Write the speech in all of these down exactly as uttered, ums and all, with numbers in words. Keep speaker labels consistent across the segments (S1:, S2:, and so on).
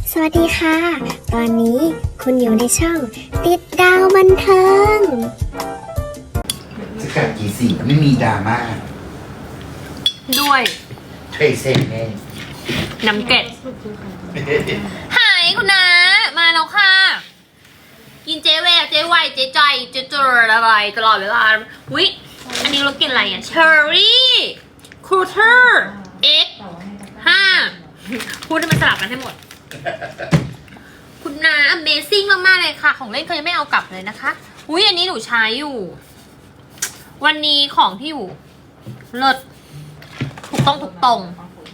S1: สวัสดีค่ะ ตอนนี้คุณอยู่ในช่องติดดาวบันเทิง
S2: สกัดกี่สีไม่มีดราม่า
S3: ด้วย
S2: เทรเซนแน่
S3: น้ำเกล็ดหายคุณนะมาแล้วค่ะ กินเจเวเจไวเจใจเจเจออะไรตลอดเวลาวิอันนี้เรากินอะไรอ่ะเชอร์รี่ครูเทอร์เอ็กห้าพูดให้มันสลับกันให้หมด คุณนา Amazing มากๆเลยค่ะ ของเล่นเขายังไม่เอากลับเลยนะคะอุ้ยอันนี้หนูใช้อยู่ วันนี้ของที่อยู่เลิศถูกต้องถูกตรง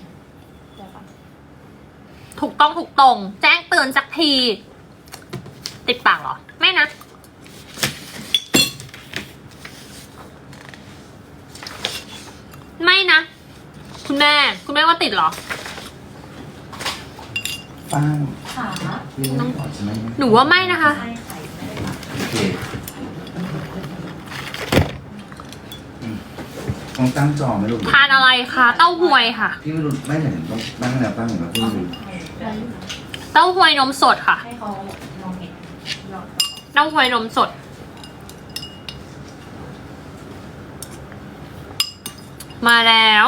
S3: ถูกต้องถูกตรงแจ้งเตือนสักทีติดปากเหรอไม่นะไม่นะคุณแม่คุณแม่ว่าติดเหรอ
S2: ป้าง
S4: ขา
S2: น้องออกใช่ไหม
S3: หนูว่าไม่นะคะ
S4: ใช่ไข่ไม่ได้หลับ
S2: โอเคอืมต้องตั้งจอไหมลูก
S3: ทานอะไรคะเต้าหวยค่ะ
S2: พี่ไม่รู้ไม่เห็นต้องตั้งแนวตั้งเห็นไหมพี่ไม่รู้
S3: เต้าหวยนมสดค่ะ
S4: ให้เขาลองเห็นยอด
S3: เต้าหวยนมสดมาแล้ว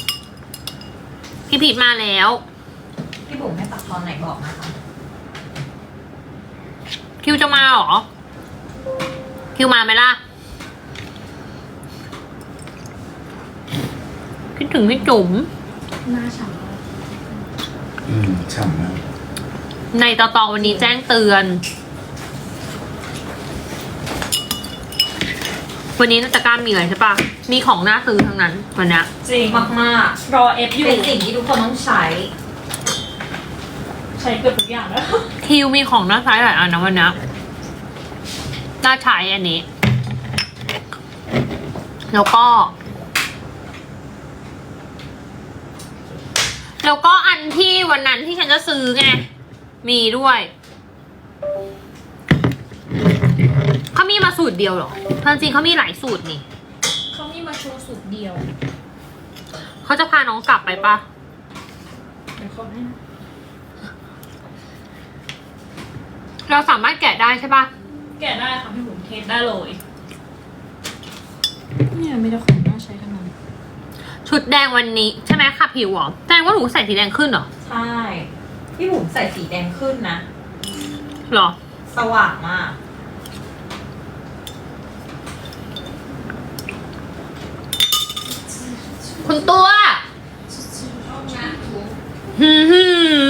S3: พี่ผิดมาแล้ว
S4: พี่บุ๋มให้ตัดตอนไหนบอกนะคะ
S3: คิวจะมาเหรอคิวมาไหมล่ะคิดถึงพี่จุ๋ม
S4: หน้าฉ่
S2: อืมฉ่ำมาก
S3: ในตอตอวันนี้แจ้งเตือน วันนี้นาตะกร้ามีอะไรใช่ปะมีของน่าซื้อทั้งนั้นวันนี้
S4: จริงมากมาก
S5: รอเอฟอยู่
S4: เป็นสิ่งที่ทุกคนต้องใช้
S5: ใช้เกือบทุกอย่างแล้ว
S3: คิวมีของน่าใช้หลายอันนะวันนี้น่าใช้อันนี้ แล้วก็ แล้วก็อันที่วันนั้นที่ฉันจะซื้อไงมีด้วยเขามีมาสูตรเดียวเหรอจริงๆเขามีหลายสูตรนี่
S5: เขามีมาโชว์สูตรเดียว
S3: เขาจะพาน้องกลับไปปะ
S5: เดี๋ยวเขาให้นะ
S3: เราสามารถแกะได้ใช่ปะ
S5: แกะได้ค่ะพี่บุ๋มเทสได้เลย เนี่ยมีแต่ของน่าใช้ทั้งนั้น
S3: ชุดแดงวันนี้ใช่ไหมค่ะผิวหรอแสดงว่าหนูใส่สีแดงขึ้นเหรอ
S4: ใช่ พี่บุ๋มใส่สีแดงขึ้นนะ
S3: หรอ
S4: สว่างมาก
S3: คุณตัวหืมหืม